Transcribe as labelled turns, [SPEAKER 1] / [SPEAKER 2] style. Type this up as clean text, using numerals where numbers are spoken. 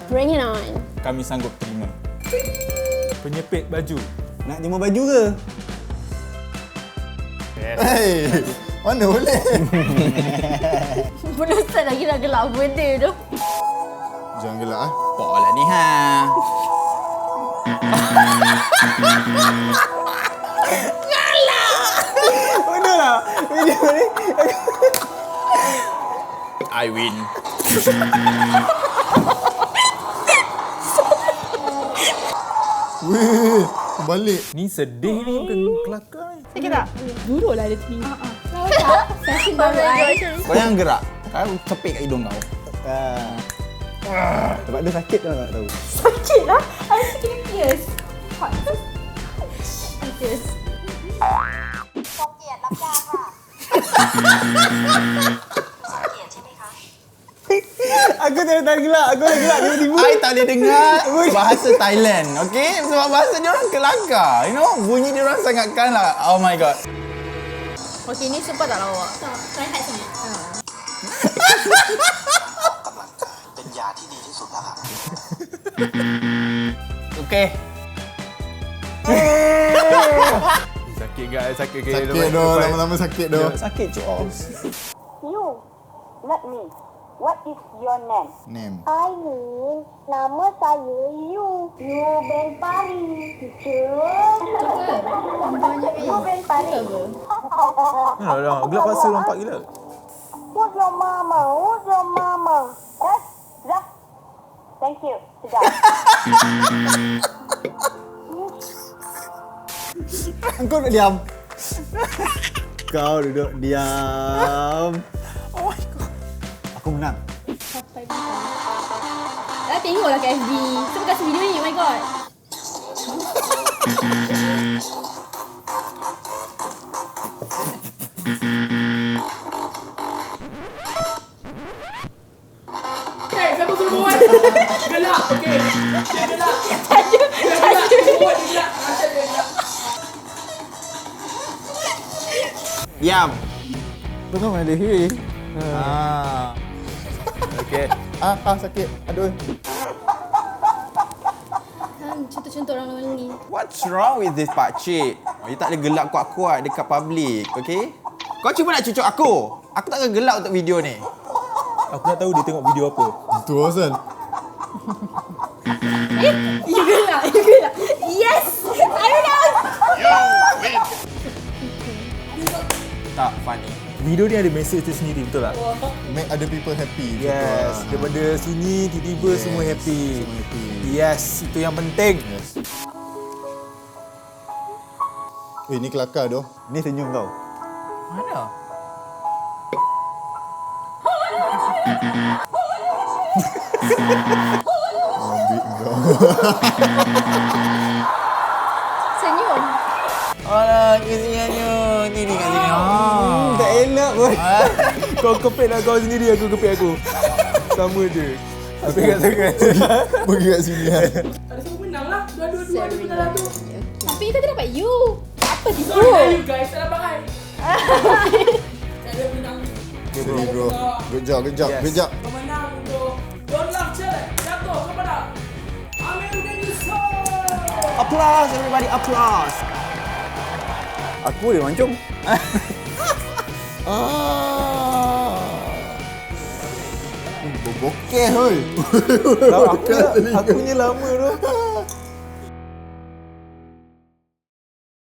[SPEAKER 1] Bring it on.
[SPEAKER 2] Kami sanggup terima. Penyepit baju.
[SPEAKER 3] Nak jemur baju ke?
[SPEAKER 2] Yes.
[SPEAKER 4] Hei, mana boleh?
[SPEAKER 1] Belum start lagi dah gelap benda tu.
[SPEAKER 4] Jangan gelak ah.
[SPEAKER 2] Pok lah ni ha.
[SPEAKER 3] Mana lah? Video ni.
[SPEAKER 2] I win.
[SPEAKER 4] Weh, balik.
[SPEAKER 2] Ni sedih ni bukan kelakar ni.
[SPEAKER 1] Sakit tak?
[SPEAKER 5] Duduklah dia sini.
[SPEAKER 1] Fashion baru I.
[SPEAKER 2] Kau jangan gerak. Kau cepik kat hidung kau.
[SPEAKER 3] Sebab dia sakit kau tak tahu.
[SPEAKER 1] Sakit lah. I sakit pierce. Hot. Pierce.
[SPEAKER 6] ทรงเกียรติรับยาค่ะทรงเกียรติใช่ไหมคะ
[SPEAKER 3] Aku tak gelak. Aku dah gelak tiba-tiba.
[SPEAKER 2] I tak boleh dengar bahasa Thailand, okey? Sebab bahasa dia orang kelakar. You know, bunyi dia orang sangatkan lah. Oh my god.
[SPEAKER 1] Okay, ni sumpah tak lawak. Tak, try hide sangat.
[SPEAKER 6] เป็นยาที่ดีที่สุดแล้วครับ
[SPEAKER 2] Okey. Sakit guys, sakit guys.
[SPEAKER 4] Sakit doh, lama-lama sakit doh.
[SPEAKER 3] Sakit cok.
[SPEAKER 6] You not me what is your name
[SPEAKER 4] Name.
[SPEAKER 6] Ini nama saya You Ben Pari teacher You Ben Pari
[SPEAKER 2] Dah, gelap paksa nampak gila.
[SPEAKER 6] Who's your mama yes dah thank you sudah
[SPEAKER 3] Kau nak diam. Kau duduk diam.
[SPEAKER 2] Oh my god.
[SPEAKER 3] Aku menang.
[SPEAKER 1] Dah tengoklah kat FB. Siapa kasih video ni? Oh my god.
[SPEAKER 5] Okay, siapa suruh buat? Gelap, okey. Dia gelap. Dia gelap. Buat dia gelap. Macam dia gelap.
[SPEAKER 2] Diam.
[SPEAKER 3] Tengok mana dia hearing.
[SPEAKER 2] Okey.
[SPEAKER 4] Sakit. Aduh.
[SPEAKER 1] Contoh-contoh orang ni.
[SPEAKER 2] What's wrong with this pakcik? You tak boleh gelap kuat-kuat dekat public, okey? Kau cuba nak cucuk aku. Aku tak akan gelap untuk video ni.
[SPEAKER 3] Aku nak tahu dia tengok video apa.
[SPEAKER 4] Itu asal.
[SPEAKER 1] You gelap. Yes! I know!
[SPEAKER 2] Tak funny.
[SPEAKER 3] Video ni ada mesej tu sendiri, betul tak?
[SPEAKER 4] Make other people happy.
[SPEAKER 3] Yes. Daripada sini tiba-tiba semua happy.
[SPEAKER 4] Semua happy.
[SPEAKER 3] Yes, itu yang penting.
[SPEAKER 4] Yes. Ni kelakar doh.
[SPEAKER 3] Ni senyum kau.
[SPEAKER 2] Mana?
[SPEAKER 4] Ambil kau.
[SPEAKER 1] Senyum.
[SPEAKER 2] Alah, kesiannya. Ni kat sini.
[SPEAKER 3] Tak elak pun. Kau kepit lah kau sendiri, aku kepit aku. Sama je. Aku kat tangan.
[SPEAKER 4] Pergi kat sini kan.
[SPEAKER 5] Tak semua menang lah. Dua-dua dia pun dalam tu.
[SPEAKER 1] Tapi kita dapat you. Apa tipu?
[SPEAKER 5] Sorry you guys, tak dapat I. Saya menang.
[SPEAKER 4] Sorry bro. Good job.
[SPEAKER 2] Yes.
[SPEAKER 5] Kau menang untuk Don't Laugh Challenge. Jatuh kepada Amir Denisa.
[SPEAKER 2] Applause everybody, applause.
[SPEAKER 3] Aku boleh mancung.
[SPEAKER 4] Bokeh hoi.
[SPEAKER 3] Aku punya lama tu.